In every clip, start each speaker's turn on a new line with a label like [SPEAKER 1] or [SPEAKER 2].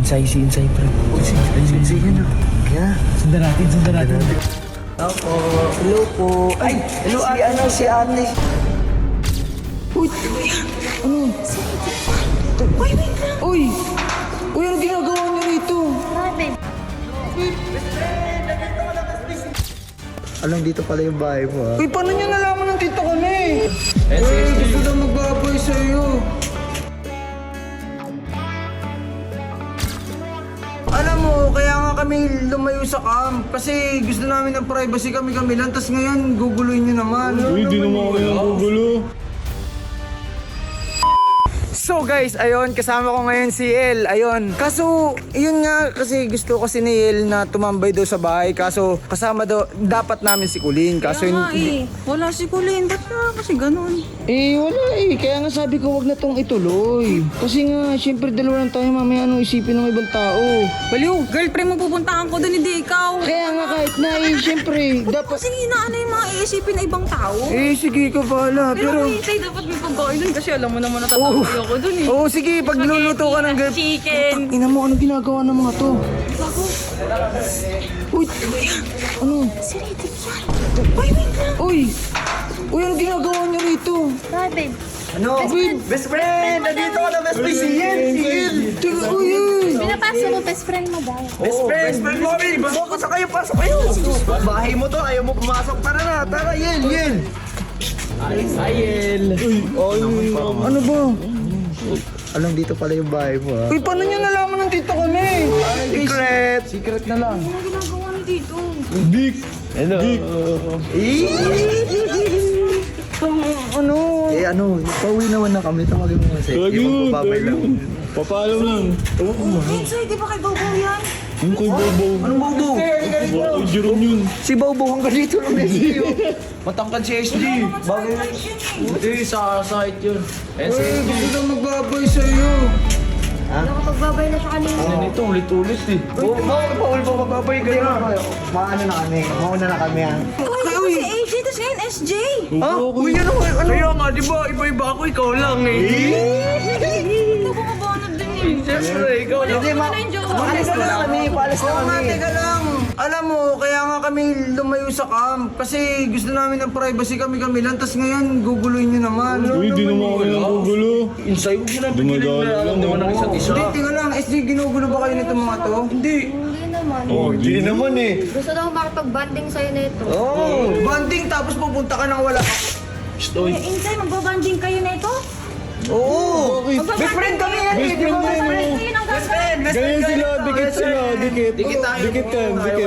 [SPEAKER 1] Insay, pre. Insay yan ah. Kaya, sundan natin. Opo, hello po. Ay, hello si ate. Uy, ano? Uy, ano ginagawa niyo rito? Alam, dito pala yung bahay mo ah. Uy, paano niyo nalaman ng tito kami? Gusto na magbaboy sa'yo. Alam mo, kaya nga kami lumayo sa camp. Kasi gusto namin ng privacy kami lang. Tapos ngayon, guguloy nyo naman.
[SPEAKER 2] Uy, di naman kami nagugulo.
[SPEAKER 1] So guys, ayun, kasama ko ngayon si El, ayun. Kaso, yun nga, kasi gusto kasi ni El na tumambay daw sa bahay. Kaso, kasama daw, dapat namin si Kulin. Kaso,
[SPEAKER 3] Kaya nga wala si Kulin. Ba't na kasi ganun?
[SPEAKER 1] wala kaya nga sabi ko, wag na tong ituloy. Kasi nga, syempre dalawa lang tayo, mamaya anong isipin ng ibang tao.
[SPEAKER 3] Baliw, girlfriend mo pupuntahan ko doon, hindi ikaw.
[SPEAKER 1] Kaya nga kahit na, syempre, dapat...
[SPEAKER 3] Kasi inaano yung mga iisipin na ibang tao.
[SPEAKER 1] Sige ka bahala,
[SPEAKER 3] Pero
[SPEAKER 1] pero...
[SPEAKER 3] hintay, dapat may pagkain doon kasi alam mo naman natatawag ako doon eh.
[SPEAKER 1] Oo, sige, pag luluto ka ng girl...
[SPEAKER 3] Chicken.
[SPEAKER 1] Ina mo, anong ginagawa ng mga to? Uy, ano?
[SPEAKER 3] Si Riddick yan. Uy, wait lang.
[SPEAKER 1] Uy, anong ginagawa niyo rito?
[SPEAKER 3] Bakit?
[SPEAKER 1] Ano? Best friend! Nandito ka na, best friend! Si Yel! Teka, uy!
[SPEAKER 4] Pinapasok mo, best friend mo daw.
[SPEAKER 1] Best friend! Pasok kayo! Bahay mo to, ayaw mo pumasok. Tara, Yel! Ayel! Ano ba? Alam, dito pala yung bahay mo ah. Uy, paano niyo nalaman ng tito kami? Secret na lang.
[SPEAKER 3] Ano ginagawa niyo dito?
[SPEAKER 2] Dick!
[SPEAKER 1] Hello. Ano? Pauwi naman na kami. Tawagin mo kasi.
[SPEAKER 2] Lagi
[SPEAKER 1] Babay lang.
[SPEAKER 2] Papaalam lang.
[SPEAKER 3] Insay, di ba kay Bobo yan?
[SPEAKER 2] Yung kay Bobo.
[SPEAKER 1] Anong Bobo?
[SPEAKER 2] Ay, Jerome yun.
[SPEAKER 1] Si Bobo hanggang dito lang SG. Matangkad si SG. Bagay na. Hindi, sa site yun. Gusto na magbaboy sa'yo.
[SPEAKER 4] Nakapagbabay na siya kanina.
[SPEAKER 1] Ito, ulit-ulit eh. Bawal pa magbabay ganyan. Mauna na kami ah.
[SPEAKER 3] Uy, si AJ, tapos ngayon SJ.
[SPEAKER 1] Uy, ano? Kaya nga, di ba? Iba-iba ako, ikaw lang eh.
[SPEAKER 3] Ito bumabanod din eh.
[SPEAKER 1] Siyempre, ikaw lang. Hindi, paalis na kami. Oo nga, teka lang. Alam mo, kaya nga kami lumayo sa camp. Kasi gusto namin ng privacy kami lang. Tapos ngayon, guguloy nyo naman.
[SPEAKER 2] Uy, di naman kami nagugulo.
[SPEAKER 1] Insay, huwag mo na
[SPEAKER 2] Dumadaan lang.
[SPEAKER 1] Hindi, tingnan lang. SG, ginugulo ba kayo nito mga to? Hindi.
[SPEAKER 4] Hindi naman.
[SPEAKER 2] Hindi naman eh.
[SPEAKER 4] Gusto daw makipag-banding sa'yo na ito.
[SPEAKER 1] Banding tapos pupunta ka ng wala.
[SPEAKER 3] Insay, magbabanding kayo na ito?
[SPEAKER 1] Oo. Best friend kami yan.
[SPEAKER 2] Best friend mo yun.
[SPEAKER 3] Kayo ng gagawin.
[SPEAKER 2] Ganyan sila, dikit sila, dikit.
[SPEAKER 1] Dikit tayo.
[SPEAKER 2] Dikit yan, dikit.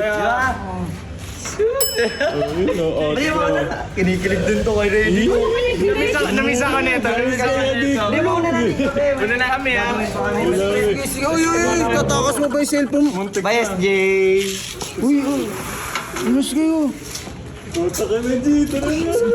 [SPEAKER 1] Kinikilig din to kay Reddy.
[SPEAKER 5] Namisa ko nito.
[SPEAKER 1] Di ba una natin kami?
[SPEAKER 5] Una na kami ha.
[SPEAKER 1] Uy, tatakas mo ba yung cellphone? Bye, SJ. Uy, inos kayo.
[SPEAKER 2] Puta ka na dito na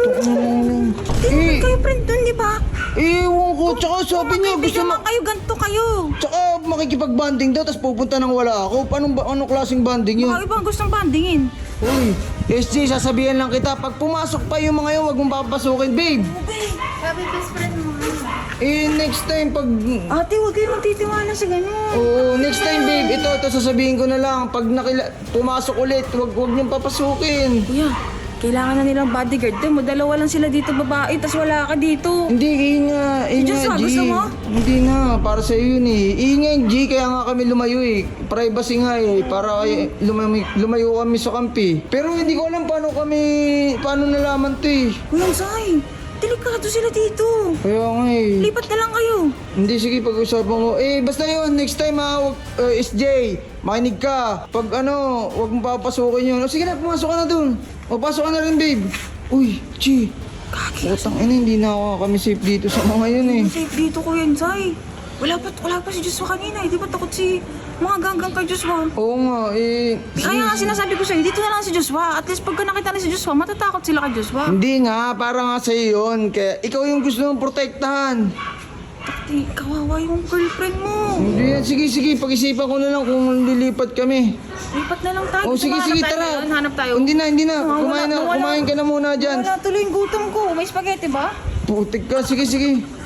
[SPEAKER 3] Kayo friend doon, di ba?
[SPEAKER 1] Ewan ko, tsaka sabi niya gusto
[SPEAKER 3] Bigyan kayo, ganito kayo.
[SPEAKER 1] Tsaka makikipag-banding daw, tapos pupunta nang wala ako. Anong klaseng banding yun?
[SPEAKER 3] Baka ibang gustong bandingin.
[SPEAKER 1] Uy, SJ, sasabihan lang kita, pag pumasok pa yung mga yun, wag mong papasukin, babe.
[SPEAKER 4] Sabi best friend mo.
[SPEAKER 1] Next time, pag...
[SPEAKER 3] Ate, huwag kayo magtitiwala sa ganun.
[SPEAKER 1] Oo, next time, babe, ito sasabihin ko na lang. Pag pumasok ulit, wag niyong papasukin.
[SPEAKER 3] Kuya, kailangan na nilang bodyguard. Mo, dalawa lang sila dito babae, tas wala ka dito.
[SPEAKER 1] Hindi, inga,
[SPEAKER 3] Diyos,
[SPEAKER 1] G.
[SPEAKER 3] gusto mo?
[SPEAKER 1] Hindi na, para sa yun eh. Inga, G, kaya nga kami lumayo eh. Privacy nga eh, para lumayo kami sa kampi. Pero hindi ko alam paano nalaman to eh.
[SPEAKER 3] Kuya, Zay, delikado sila dito.
[SPEAKER 1] Kaya nga eh.
[SPEAKER 3] Lipat na lang kayo.
[SPEAKER 1] Hindi, sige, pag-usapan ko. Basta yun, next time ha, SJ, makinig ka. Pag wag mong papasukin yun. Sige na, pumasok ka na dun. Pasok ka na rin, babe. Uy, Chi. Utang ina, hindi na kami safe dito sa mga yun eh.
[SPEAKER 3] Safe dito, Kuya, Zay. Wala pa si Joshua kanina. Di ba takot si mga ganggang kay Joshua?
[SPEAKER 1] Oo nga,
[SPEAKER 3] Kaya nga sinasabi ko sa'yo, dito na lang si Joshua. At least pagka nakita na si Joshua, matatakot sila kay Joshua.
[SPEAKER 1] Hindi nga, para nga sa'yo yun. Kaya ikaw yung gusto mong protektahan.
[SPEAKER 3] Di, kawawa yung girlfriend mo.
[SPEAKER 1] Hindi, sige, pag-isipan ko na lang kung lilipat kami.
[SPEAKER 3] Lipat na lang tayo.
[SPEAKER 1] Oh, sige,
[SPEAKER 3] Hanap tayo
[SPEAKER 1] tara.
[SPEAKER 3] ngayon, Hanap tayo.
[SPEAKER 1] Hindi na.
[SPEAKER 3] Wala.
[SPEAKER 1] Kumain ka na muna dyan.
[SPEAKER 3] Wala tuloy yung gutom ko. May spaghetti ba?
[SPEAKER 1] Putik ka, sige.